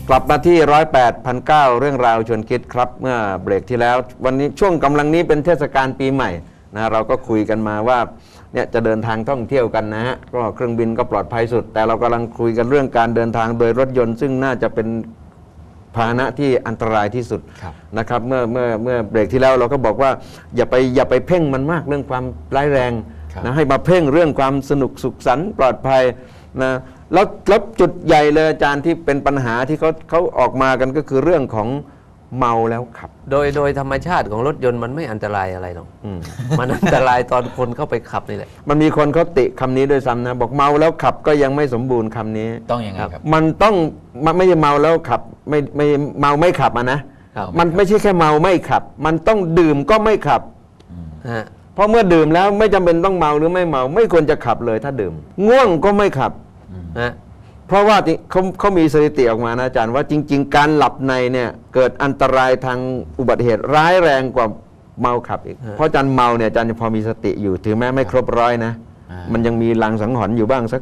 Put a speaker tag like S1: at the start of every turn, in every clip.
S1: กลับมาที่108,900เรื่องราวชวนคิดครับเมื่อเบรกที่แล้ววันนี้ช่วงกำลังนี้เป็นเทศกาลปีใหม่นะเราก็คุยกันมาว่าเนี่ยจะเดินทางท่องเที่ยวกันนะฮะก็เครื่องบินก็ปลอดภัยสุดแต่เรากำลังคุยกันเรื่องการเดินทางโดยรถยนต์ซึ่งน่าจะเป็นพาหนะที่อันตรายที่สุดนะครับเมื่อเบรกที่แล้วเราก็บอกว่าอย่าไปเพ่งมันมากเรื่องความร้ายแรงนะให้มาเพ่งเรื่องความสนุกสุขสันต์ปลอดภัยนะแล้วจุดใหญ่เลยอาจารย์ที่เป็นปัญหาที่เขาออกมากันก็คือเรื่องของเมาแล้วขับ
S2: โดยธรรมชาติของรถยนต์มันไม่อันตรายอะไรหรอกมันอันตรายตอนคนเข้าไปขับนี่แหละ
S1: มันมีคนเขาติคำนี้ด้วยซ้ำนะบอกเมาแล้วขับก็ยังไม่สมบูรณ์คำนี้
S3: ต้องยังไงครับ
S1: มันต้องไม่ใช่เมาแล้วขับไม่เมาไม่ขับนะมันไม่ใช่แค่เมาไม่ขับมันต้องดื่มก็ไม่ขับเพราะเมื่อดื่มแล้วไม่จำเป็นต้องเมาหรือไม่เมาไม่ควรจะขับเลยถ้าดื่มง่วงก็ไม่ขับนะเพราะว่าเขามีสถิติออกมานะอาจารย์ว่าจริงๆการหลับในเนี่ยเกิดอันตรายทางอุบัติเหตุร้ายแรงกว่าเมาขับอีกเพราะอาจารย์เมาเนี่ยอาจารย์พอมีสติอยู่ถึงแม้ไม่ครบร้อยนะมันยังมีลังสังหรณ์อยู่บ้างสัก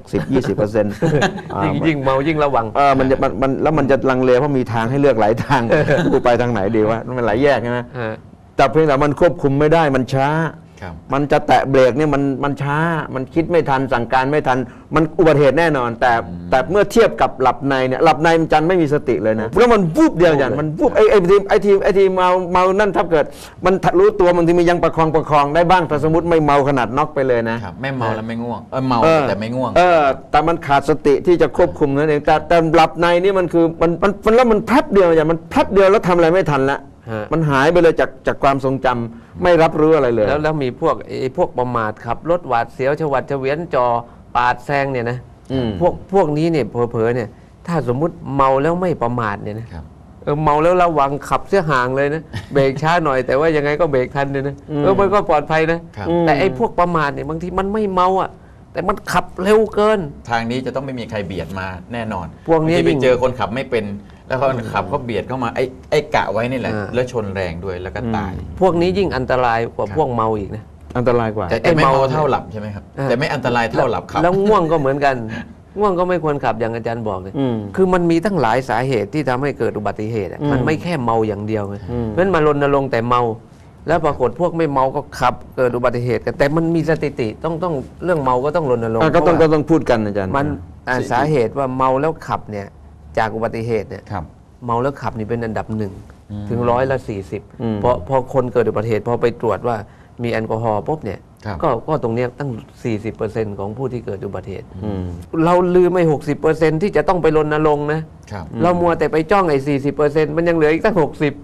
S1: 10-20%
S2: ยิ่งเมายิ่งระวัง
S1: แล้วมันจะลังเลเพราะมีทางให้เลือกหลายทางกูไปทางไหนดีวะมันหลายแยกนะแต่เพียงแต่มันควบคุมไม่ได้มันช้ามันจะแตะเบรกเนี่ยมันช้ามันคิดไม่ทันสั่งการไม่ทันมันอุบัติเหตุแน่นอนแต่เมื่อเทียบกับหลับในเนี่ยหลับในมันจันไม่มีสติเลยนะแล้วมันวูบเดียวอย่างมันวูบไอ้ทีเมานั่นถ้าเกิดมันรู้ตัวบางทีมันยังประคองได้บ้างแต่สมมติไม่เมาขนาดน็อกไปเลยนะ
S3: ไม่เมาแล้วไม่ง่วงเมาแต่ไม่ง่วง
S1: แต่มันขาดสติที่จะควบคุมนั่นเองแต่หลับในนี่มันคือมันแล้วมันแป๊บเดียวอย่างมันแป๊บเดียวแล้วทำอะไรไม่ทันละมันหายไปเลยจากความทรงจำไม่รับรู้อะไรเลย
S2: แล้วมีพวกประมาทขับรถหวาดเสียวฉวัดเฉวียนจอปาดแซงเนี่ยนะพวกนี้เนี่ยเผลอๆเนี่ยถ้าสมมุติเมาแล้วไม่ประมาทเนี่ยนะเมาแล้วระวังขับเสียห่างเลยนะเบรกช้าหน่อยแต่ว่ายังไงก็เบรกทันเลยนะมันก็ปลอดภัยนะแต่ไอ้พวกประมาทเนี่ยบางทีมันไม่เมาอ่ะแต่มันขับเร็วเกิน
S3: ทางนี้จะต้องไม่มีใครเบียดมาแน่นอน
S2: พวกนี้
S3: ไปเจอคนขับไม่เป็นแล้วก็ขับเขาเบียดเข้ามาไอ้กะไว้นี่แหละแล้วชนแรงด้วยแล้วก็ตาย
S2: พวกนี้ยิ่งอันตรายกว่าพวกเมาอีกนะ
S1: อันตรายกว่า
S3: แต่ไม่เมาเท่าหลับใช่ไหมครับแต่ไม่อันตรายเท่าหลับขับ
S2: แล้วง่วงก็เหมือนกันง่วงก็ไม่ควรขับอย่างอาจารย์บอกเลยคือมันมีตั้งหลายสาเหตุที่ทำให้เกิดอุบัติเหตุมันไม่แค่เมาอย่างเดียวไงเพราะฉะนั้นมารณรงค์แต่เมาแล้วปรากฏพวกไม่เมาก็ขับเกิดอุบัติเหตุกันแต่มันมีสถิติต้องเรื่องเมาก็ต้องรณรงค์
S1: ก็ต้องพูดกันอาจารย์
S2: มันสาเหตุว่าเมาแล้วขับเนี่ยจากอุบัติเหตุเนี่ยเมาแล้วขับนี่เป็นอันดับ1ถึง140พอคนเกิดอุบัติเหตุพอไปตรวจว่ามีแอลกอฮอล์ปุ๊บเนี่ยก็ตรงนี้ตั้ง 40% ของผู้ที่เกิดอุบัติเหตุเราลืมไม่ 60% ที่จะต้องไปรณรงค์นะเรามัวแต่ไปจ้องไอ้ 40% มันยังเหลืออีกตั้ง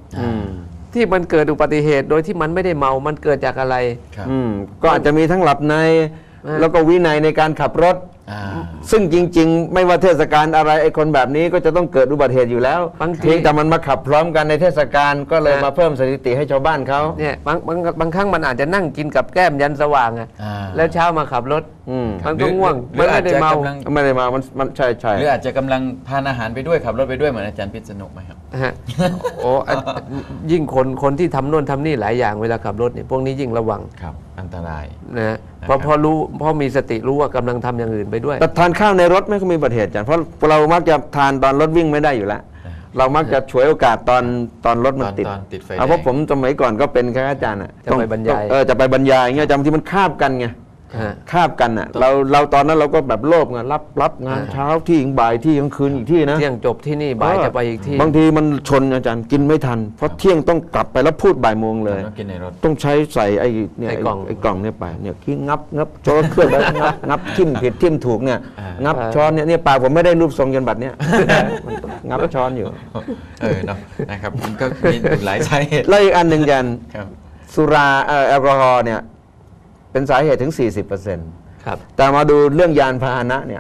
S2: 60ที่มันเกิดอุบัติเหตุโดยที่มันไม่ได้เมามันเกิดจากอะไร
S1: ก็อาจจะมีทั้งหลับในแล้วก็วินัยในการขับรถซึ่งจริงๆไม่ว่าเทศกาลอะไรไอ้คนแบบนี้ก็จะต้องเกิดอุบัติเหตุอยู่แล้วเพียงแต่มันมาขับพร้อมกันในเทศกาลก็เลยมาเพิ่มสถิติให้ชาวบ้านเขา
S2: เนี่ยบางครั้งมันอาจจะนั่งกินกับแก้มยันสว่างแล้วเช้ามาขับรถมันก็ง่วง
S3: มันไม่ได้เมา
S1: มันใช่
S3: หรืออาจจะกำลังทานอาหารไปด้วยขับรถไปด้วยเหมือนอาจารย์พิษณุไหมครับ
S2: โอ้ยิ่งคนที่ทำโน่นทำนี่หลายอย่างเวลาขับรถเนี่ยพวกนี้ยิ่งระวัง
S3: ครับอันตราย
S2: นะพอมีสติรู้ว่ากำลังทำอย่างอื่นไปด้วย
S1: แต่ทานข้าวในรถไม่ก็มีอุบัติเหตุจันเพราะเรามักจะทานตอนรถวิ่งไม่ได้อยู่แล้วเรามักจะฉวยโอกาสตอนรถมันติดเพราะผมสมัยก่อนก็เป็นแค่อาจารย์
S2: จะไปบรรยาย
S1: จะไปบรรยายเงี้ยจำที่มันคาบกันไงคาบกันอ่ะเราตอนนั้นเราก็แบบโลภไงรับงานเช้าที่บ่ายที่กลางคืนอีกที่นะ
S2: เที่ยงจบที่นี่บ่ายจะไปอีกที่
S1: บางทีมันชนอาจารย์กินไม่ทันเพราะเที่ยงต้องกลับไปแล้วพูดบ่ายโมงเลยต้องใช้ใส่ไอ้กล่องเนี่ยไปเนี่ยขี้งับช้อนเครื่องแล้วงับทิ่มผิดทิ่มถูกเนี่ยงับช้อนเนี่ยปากผมไม่ได้รูปทรงยันบัดเนี่ยงับช้อนอยู่
S3: เนาะนะครับมันก็มีหลายสาเหตุ
S1: แล้วอีกอันหนึ่งยันสุราแอลกอฮอล์เนี่ยเป็นสาเหตุถึง 40%
S2: ครับ
S1: แต่มาดูเรื่องยานพาหนะเนี่ย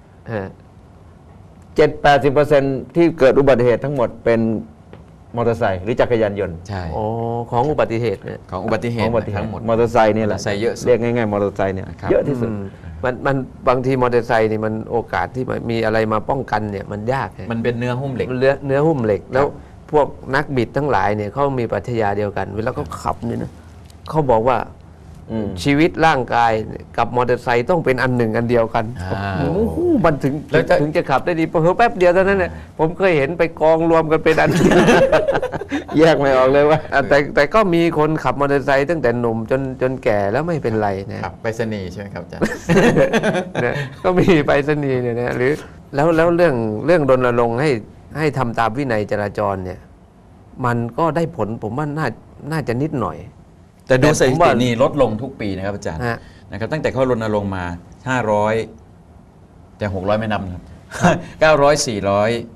S1: 70-80% ที่เกิดอุบัติเหตุทั้งหมดเป็นมอเตอร์ไซค์หรือจักรยานยนต์
S3: ใช่
S2: ของอุบัติเหตุเนี่ย
S3: ของอุบัติเหตุ
S1: ทั้งหมดมอเตอร์ไซค์นี่แหละเรียกง่ายๆมอเตอร์ไซค์เนี่ยเยอะที่สุด
S2: มันบางทีมอเตอร์ไซค์นี่มันโอกาสที่มีอะไรมาป้องกันเนี่ยมันยาก
S3: มันเป็นเนื้อหุ้มเหล็ก
S2: เนื้อหุ้มเหล็กแล้วพวกนักบิดทั้งหลายเนี่ยเขามีปรัชญาเดียวกันเวลาเขาขับเนี่ยนะเขาบอกว่าชีวิตร่างกายกับมอเตอร์ไซค์ต้องเป็นอันหนึ่งอันเดียวกัน โอ้โหมันถึง
S3: แล้วจะ
S2: ถึงจะขับได้ดีเพิ่แป๊บเดียวเท่านั้นเนี่ยผมเคยเห็นไปกองรวมกันเป็นอันเดียว
S1: แยกไม่ออกเลยว่า
S2: แต่ก็มีคนขับมอเตอร์ไซค์ตั้งแต่หนุ่มจนแก่แล้วไม่เป็นไรนะครับ
S3: ไปรษณีย์ใช่ไหมครับอาจารย์
S2: นะก็มีไปรษณีย์เนี่ยนะหรือแล้วเรื่องรณรงค์ให้ทำตามวินัยจราจรเนี่ยมันก็ได้ผลผมว่าน่าจะนิดหน่อย
S3: แต่ดูสถิ
S2: ผม
S3: ติ
S2: ว่า
S3: นี่ลดลงทุกปีนะครับอาจารย์
S2: ฮะ
S3: นะครับตั้งแต่เขารณรงค์มา 500 แต่ 600 ไม่นับนะครับ 900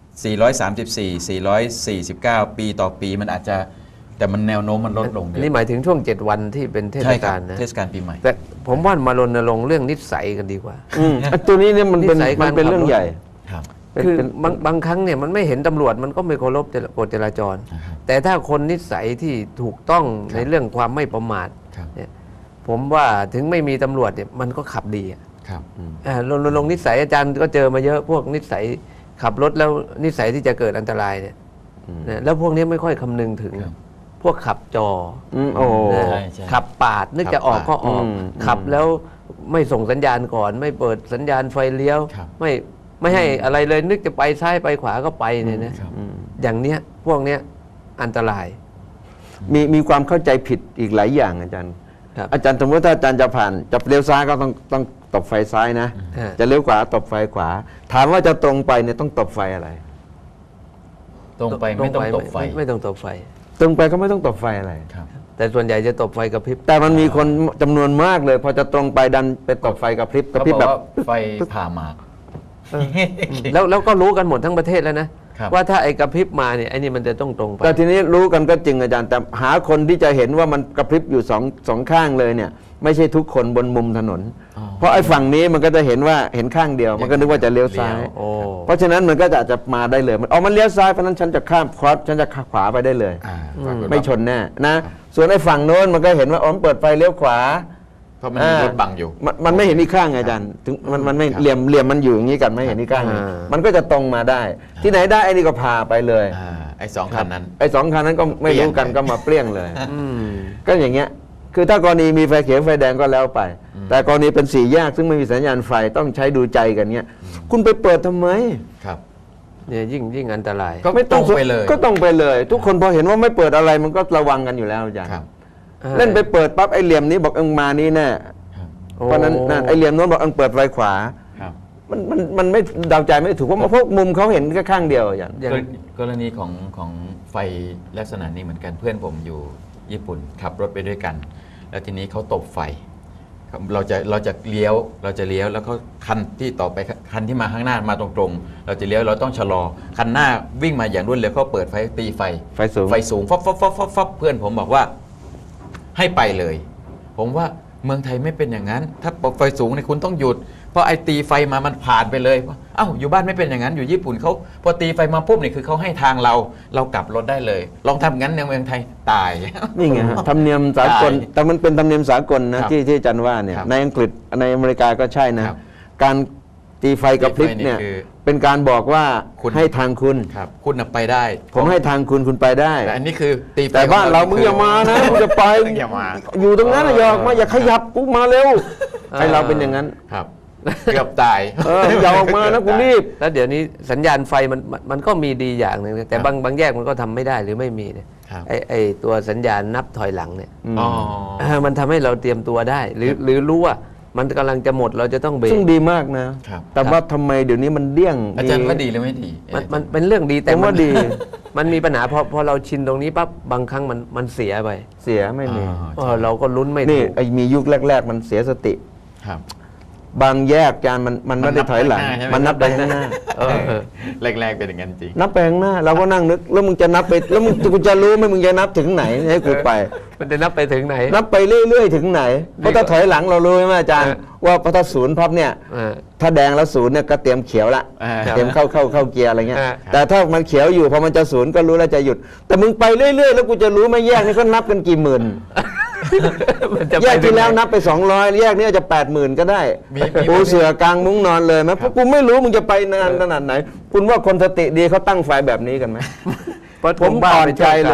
S3: 400 434 449 ปีต่อปีมันอาจจะแต่มันแนวโน้มมันลดลง
S2: อันนี้หมายถึงช่วง 7 วันที่เป็นเทศ
S3: ใช่ครั
S2: กา
S3: บ
S2: ลนะ
S3: เทศกาลปีใหม่
S2: แต่ผมว่ามารณรงค์เรื่องนิสัยกันดีกว่า
S1: ตัวนี้เนี่ยมันเป็น
S2: นิสัยการ
S1: มันเป็นเรื่อง
S2: ขับรถ
S1: ใหญ่
S3: ครับ
S2: คือ
S1: เป็น
S2: บางครั้งเนี่ยมันไม่เห็นตำรวจมันก็ไม่เคารพกฎจราจร
S3: นะครับ
S2: แต่ถ้าคนนิสัยที่ถูกต้องในเรื่องความไม่ประมาท
S3: ครับ
S2: เนี่ยผมว่าถึงไม่มีตำรวจเนี่ยมันก็ขับดีอะ
S3: ครับ
S2: รณรงค์นิสัยอาจารย์ก็เจอมาเยอะพวกนิสัยขับรถแล้วนิสัยที่จะเกิดอันตรายเนี่ยนะแล้วพวกนี้ไม่ค่อยคำนึงถึง
S3: ครับ
S2: พวกขับจอ
S1: โอ้
S2: นะ
S3: ใช่ใช่
S2: ขับปาดนึกจะออกก็ออก
S1: อืม
S2: ขับแล้วไม่ส่งสัญญาณก่อน ไม่เปิดสัญญาณไฟเลี้ยว
S3: ครับ
S2: ไม่ให้อะไรเลยนึกจะไปซ้ายไปขวาก็ไปเนี่ยนะครับ อย่างเนี้ยพวกเนี้ยอันตราย
S1: มีความเข้าใจผิดอีกหลายอย่างอาจารย์
S2: ครับ
S1: อาจารย์สมมติถ้าอาจารย์จะผ่านจะเลี้ยวซ้ายก็ต้องตบไฟซ้ายนะ
S2: ฮะ
S1: จะเลี้ยวขวาตบไฟขวา ถามว่าจะตรงไปเนี่ยต้องตบไฟอะไร
S3: ตรงไปไม่ต้องตบไฟ
S2: ไม่ต้องตบไฟ
S1: ตรงไปก็ไม่ต้องตบไฟอะไร
S3: ครับ
S2: แต่ส่วนใหญ่จะตบไฟกระพริบ
S1: แต่มันมีคนจำนวนมากเลย พอจะตรงไปดันไปตบไฟกระพริบกระ
S3: เขา
S1: พริบบ
S3: อ
S1: แบ
S3: ก
S1: บ
S3: ว่าไฟผ่าหมาก
S2: แล้วก็รู้กันหมดทั้งประเทศแล้วนะ
S3: ครับ
S2: ว่าถ้าไอ้กระพริบมาเนี่ยไอ้นี่มันจะต้องตรงไป
S1: แต่ทีนี้รู้กันก็จริงอาจารย์ แต่หาคนที่จะเห็นว่ามันกระพริบอยู่สองข้างเลยเนี่ย ไม่ใช่ทุกคนบนมุมถนน
S3: อ๋อ
S1: เพราะไอ้ฝั่งนี้มันก็จะเห็นว่าเห็นข้างเดียว มันก็นึกว่าจะเลี้ยวซ้าย
S3: เลี้ยว
S2: โอ้
S1: เพราะฉะนั้นมันก็จะอาจจะมาได้เลยมันเลี้ยวซ้ายเพราะฉะนั้นฉันจะข้ามครอสฉันจะขวาไปได้เลย
S3: ปรากฏว่า
S1: ไม่ชนแน่นะ ส่วนไอ้ฝั่งโน้นมันก็เห็นว่าอ๋อมันเปิดไฟเลี้ยวขวา
S3: เพราะมันมีรถบังอยู่
S1: มันไม่เห็นอีกข้างไงอาจารย์ถึงมันไม่
S3: ครับ
S1: เหลี่ยมมันอยู่อย่างนี้กันไม่เห็นอีกข้าง
S2: อ่า
S1: มันก็จะตรงมาได้ ที่ไหนได้ไอ้นี่ก็พาไปเลย
S3: ไอ้สองคันนั้น
S1: ไอ้สองคันนั้นก็ไม่รู้กัน
S3: เปลี่ยนเลย
S1: ก็มาเปรี้ยงเลย
S2: อืม
S1: ก็อย่างเงี้ย คือถ้ากรณีมีไฟเขียวไฟแดงก็แล้วไป แต่กรณีเป็นสี่แยกซึ่งไม่มีสัญญาณไฟต้องใช้ดูใจกันเงี้ย คุณไปเปิดทำไม
S3: ครับ
S2: เนี่ยยิ่งอันตราย
S3: ก็ไม่ตรงไปเลย
S1: ก็ต้องไปเลย ทุกคนพอเห็นว่าไม่เปิดอะไรมันก็ระวังกันอยู่แล้วอาจารย์
S3: ครับ
S1: เล่นไปเปิดปั๊บไอ้เหลี่ยมนี้บอกเอิงมานี่แน่
S3: ครับ
S1: เพราะฉะนั้นนั่นไอ้เหลี่ยมโน้นบอกเอิงเปิดไฟขวา
S3: ครับ
S1: มันไม่เดาใจไม่ถูกเพราะพวกมุมเขาเห็นแค่ข้างเดียวอย่าง
S2: อย่าง
S3: กรณีของไฟลักษณะนี้เหมือนกันเพื่อนผมอยู่ญี่ปุ่นขับรถไปด้วยกัน แล้วทีนี้เขาตบไฟครับเราจะเลี้ยวแล้วก็คันที่ต่อไปคันที่มาข้างหน้ามาตรงๆ เราจะเลี้ยวเราต้องชะลอคันหน้าวิ่งมาอย่างรวดเร็วเขาเปิดไฟตีไฟ
S1: ไฟสูง
S3: ไฟสูงฟับเพื่อนผมบอกว่าให้ไปเลย ผมว่าเมืองไทยไม่เป็นอย่างนั้น ถ้าไฟสูงเนี่ยคุณต้องหยุด เพราะไอ้ตีไฟมามันผ่านไปเลยเอ้าอยู่บ้านไม่เป็นอย่างนั้นอยู่ญี่ปุ่นเขาพอตีไฟมาปุ๊บเนี่ยคือเขาให้ทางเรากลับรถได้เลย ลองทำงั้นในเมืองไทยตาย
S1: นี่ไงฮะธรรมเนียมสากล
S3: ได้
S1: แต่มันเป็นธรรมเนียมสากลนะครับ ที่อาจารย์ว่าเนี่ย
S3: ครับ
S1: ในอังกฤษในอเมริกาก็ใช่นะ
S3: ครับ
S1: การตีไฟกระพริบเนี่ย
S3: ตีไฟนี่คือ
S1: เป็นการบอกว่า
S3: คุณ
S1: ให้ทางคุณ
S3: ครับคุณน่ะไปได้
S1: ผมให้ทางคุณไปได้
S3: แต่อันนี้คือตีไฟ
S1: แต่บ้านเรามึง
S3: คื
S1: อย่ามานะมึงจะไป
S3: อย่ามา
S1: อยู่ตรงนั้นนะอย่าออกมาอย่าขยับกูมาเร็วไอเราเป็นอย่างนั้น
S3: ครับเกือบตาย
S1: อย่าออกมานะกูรีบ
S2: แล้วเดี๋ยวนี้สัญญาณไฟมันก็มีดีอย่างหนึ่งนะแต่บางแยกมันก็ทำไม่ได้หรือไม่มีเนี่ย
S3: ครับ
S2: ไอ้ตัวสัญญาณนับถอยหลังเนี่ย
S3: อ๋อ
S2: มันทำให้เราเตรียมตัวได้ หรือรู้ว่ามันกำลังจะหมดเราจะต้องเบรก
S1: ซึ่งดีมากนะ
S3: ครับ
S1: แต่ว่าทำไมเดี๋ยวนี้มันเดี้ยง
S3: อาจารย์ว่าดีหรือไม่ดี
S2: มันเป็นเรื่องดีแต่
S1: ผมว่าดี
S2: มันมีปัญหาพอเราชินตรงนี้ปั๊บบางครั้งมันเสียไป
S1: เสียไม่มี
S2: เราก็ลุ้นไม่
S1: นี่
S2: ถูก
S1: ไอ้มียุคแรก ๆ มันเสียสติ
S3: ครับ
S1: บางแยกจานมันไม่ได้ถอยหลัง
S3: มันนับไป
S1: มันนับไปข้างหน้า
S3: แรกๆเป็นอย่างนั้นจริง
S1: นับไปข้างหน้า เราก็นั่งนึก แล้วมึงจะนับไปแล้วกูจะรู้ไหมมึงจะนับถึงไหนให้กูไป
S2: มันจะนับไปถึงไหน
S1: นับไปเรื่อยๆถึงไหนเพราะถ้าถอยหลังเรารู้ไหมอาจารย์ ว่าพอถ้าศูนย์พับเนี่ย ถ้าแดงแล้วศูนย์เนี่ยก็เตรียมเขียวละ เตรียมเข้าเกียร์อะไรเงี้ย แต่ถ้ามันเขียวอยู่พอมันจะศูนย์ก็รู้แล้วจะหยุด แต่มึงไปเรื่อยๆแล้วกูจะรู้ไหมแยกนี่ก็นับกันกี่หมื่น
S2: มันจะ
S1: แย
S2: ไป
S1: ก
S2: ถึ
S1: ที่
S2: งไหน
S1: แล้วนับไป200แยกนี้อาจจะ80,000ก็ได้
S3: มี
S1: ปูเสือกลางมุ้งนอนเลยไหมเพราะกูไม่รู้มึงจะไปนานขนาดไหน คุณว่าคนสติดีเขาตั้งไฟแบบนี้กันไหม
S2: เพราะ
S1: ผมอ่อนใจเลย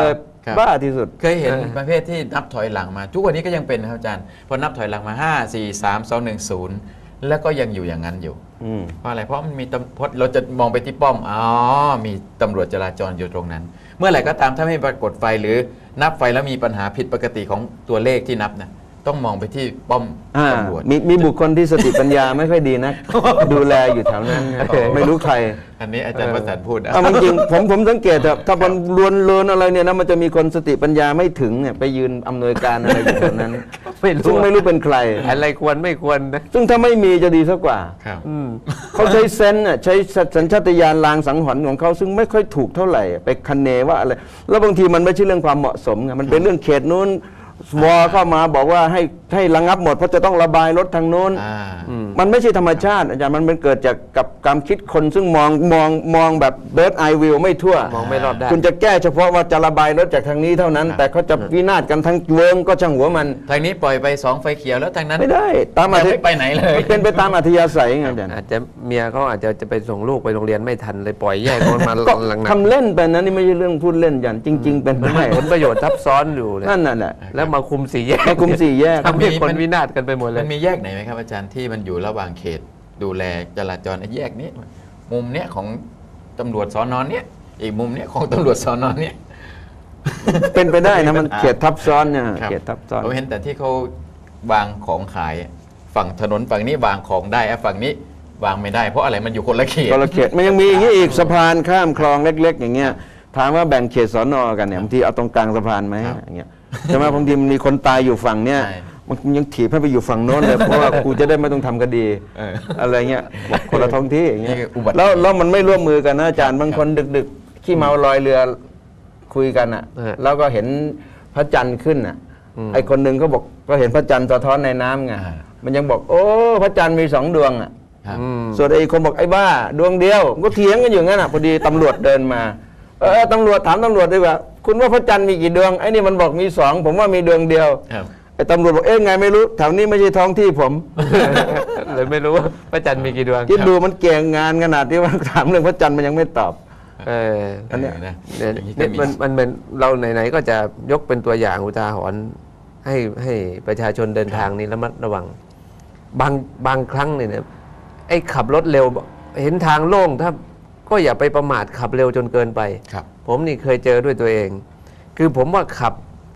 S3: ครับ
S1: บ้าที่สุด
S3: เคยเห็นประเภทที่นับถอยหลังมา ทุกวันนี้ก็ยังเป็นนะครับอาจารย์พอนับถอยหลังมา 5 4 3 2 1 0 แล้วก็ยังอยู่อย่างนั้นอยู่
S1: อืม
S3: เพราะอะไรเพราะมันมีเพราะเราจะมองไปที่ป้อมอ๋อมีตำรวจจราจรอยู่ตรงนั้น เมื่อไหร่ก็ตามถ้าไม่ปรากฏไฟหรือนับไฟแล้วมีปัญหาผิดปกติของตัวเลขที่นับนะต้องมองไปที่ป้อมตำรวจ
S1: มีบุคคลที่สติปัญญาไม่ค่อยดีนะ ดูแลอยู่แถวนั้นนะไม่รู้ใคร
S3: อันนี้อาจารย์ประสานพูดนะ
S1: เอาจริงๆผมสังเกตเถอะถ้ามันลวนอะไรเนี่ยนะมันจะมีคนสติปัญญาไม่ถึงเนี่ยไปยืนอำนวยการอะไรอยู่แถวนั้น
S2: ไม่รู้
S1: ซึ่งไม่รู้เป็นใคร
S2: อะไรควรไม่ควรนะ
S1: ซึ่งถ้าไม่มีจะดีสักกว่า
S3: ครับ
S1: เขาใช้เซนส์น่ะใช้สัญชาตญาณลางสังหรณ์ของเขาซึ่งไม่ค่อยถูกเท่าไหร่ไปคะเนว่าอะไรแล้วบางทีมันไม่ใช่เรื่องความเหมาะสมไงมันเป็นเรื่องเขตนู้นวอเข้ามาบอกว่าให้ระงับหมดเพราะจะต้องระบายรถทางโน้น มันไม่ใช่ธรรมชาติอาจารย์มันเกิดจากกับการคิดคนซึ่งมองแบบ bird eye view ไม่ทั่ว
S2: มองไม่รอบด้าน
S1: คุณจะแก้เฉพาะว่าจะระบายรถจากทางนี้เท่านั้น แต่เขาจะวินาศกันทั้งเวิงก็ช่างหัวมัน
S3: ทางนี้ปล่อยไป2ไฟเขียวแล้วทางนั้น
S1: ไม่ได้ตาม
S3: ยังไม่ไปไหนเลย
S1: มันเป็นไปตามอัธยาศัยไงอาจารย์
S2: อาจจะเมียเขาอาจจะไปส่งลูกไปโรงเรียนไม่ทันเลยปล่อยแยกคนมา
S1: ก็
S2: หลัง
S1: ทำเล่นไปนะนี่ไม่ใช่เรื่องพูดเล่นยันจริง ๆ เป็นไปได้
S2: ผลประโยชน์ซับซ้อนอยู่เลย
S1: นั่นน่ะแหละ
S2: แล้วมาคุมสี่แยก
S1: มาคุมสี่แยก
S2: ทำให้คนวินาศกันไปหมดเล
S3: มั
S2: ย
S3: นมีแยกไหนไหมครับอาจารย์ที่มันอยู่ระหว่างเขตดูแลจราจรไอ้แยกนี้มุมเนี้ยของตำรวจสอนเนี้ยอีกมุมเนี้ยของตำรวจสอนเนี้ย
S1: เป็นไปได้นะมันเขตทับซ้อนเนี่ย
S3: ครับ
S1: เขตทับซ้อน
S3: ผมเห็นแต่ที่เขาวางของขายฝั่งถนนฝั่งนี้วางของได้ฝั่งนี้วางไม่ได้เพราะอะไรมันอยู่คนละเขต
S1: คนละเขตมันยังมีอย่างนี้อีกสะพานข้ามคลองเล็ก ๆ อย่างเงี้ยถามว่าแบ่งเขตสอนอกันเนี่ยบางทีเอาตรงกลางสะพานไหม
S3: ครับ
S1: อย่างเงี้ยใช่ไหมบางทีมันมีคนตายอยู่ฝั่งเนี้ย
S3: ใช่
S1: มันยังถีบให้ไปอยู่ฝั่งโน้นเลย เพราะว่ากูจะได้ไม่ต้องทำคดี อะไรเงี้ยบอกคนละท้องที่อย่างเงี้ย
S3: นี่คืออุบัติเหตุ
S1: แล้วมันไม่ร่วมมือกันนะอาจารย์บางคนดึกๆขี้เมาลอยเรือคุยกันอ่ะ แล้วก็เห็นพระจันทร์ขึ้นอ่ะไอคนหนึ่งก็บอกก็เห็นพระจันทร์สะท้อนในน้ำไงมันยังบอกโอ้พระจันทร์มี2 ดวงอ่ะ
S3: ครับ
S1: ส่วนไอ้คนบอกไอ้บ้าดวงเดียวก็เถียงกันอยู่งั้นอ่ะพอดีตำรวจเดินมาตำรวจถามตำรวจดีกว่าคุณว่าพระจันทร์มีกี่ดวงไอ้นี่มันบอกมี2ผมว่ามีดวงเดียว
S3: ครับ
S1: ไอ้ตำรวจบอกเอ๊ะไงไม่รู้แถวนี้ไม่ใช่ท้องที่ผม
S2: เลยไม่รู้ว่าพระจันทร์มีกี่ดวง
S1: คิดดูมันเก่งงานขนาดที่ว่าถามเรื่องพระจันทร์มันยังไม่ตอบ
S2: เออ
S1: อันเนี้ย
S3: นะ
S2: เนี่ย
S3: อย่างนี้ก็
S2: เนี่ย
S3: มี
S2: มันเป็นเราไหนๆก็จะยกเป็นตัวอย่างอุทาหรณ์ให้ประชาชนเดินทางนี้ระมัดระวังบางครั้งเนี่ยนะไอ้ขับรถเร็วเห็นทางโล่งถ้าก็อย่าไปประมาทขับเร็วจนเกินไป
S3: ครับ
S2: ผมนี่เคยเจอด้วยตัวเอง คือผมว่าขับ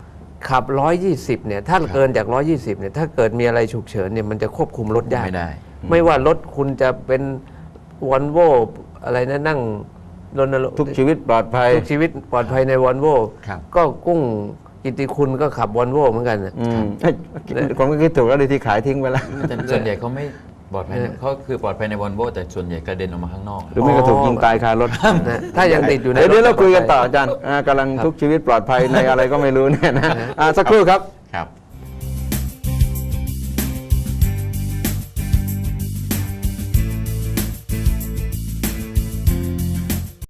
S2: 120เนี่ยถ้าเกินจาก120เนี่ยถ้าเกิดมีอะไรฉุกเฉินเนี่ยมันจะควบคุมรถยาก
S3: ไม่ได้
S2: ไม่ว่ารถคุณจะเป็นวอลโวอะไรนะนั่งรณรงค์
S1: ทุกชีวิตปลอดภัย
S2: ทุกชีวิตปลอดภัยในวอลโว
S3: ครับ
S2: ก็กุ้งกิตติคุณก็ขับวอลโวเหมือนกันน่ะ
S1: เฮ้ยผมก็คิดถูกแล้วเลยที่ขายทิ้งไปแล้ว
S3: แต่ส่วนใหญ่เขาไม่ปลอดภัยเขาคือปลอดภัยในวอลโวแต่ส่วนใหญ่กระเด็นออกมาข้างนอก
S1: หรือไม่ก็ถูกยิงตายคารถ
S2: นะถ้ายังติดอยู่ใน
S1: เดี๋ยวเรา
S2: ถ
S1: คุยกันต่ออาจารย์กำลังทุกชีวิตปลอดภัยในอะไรก็ไม่รู้เนี่ยนะสักครู่ครับ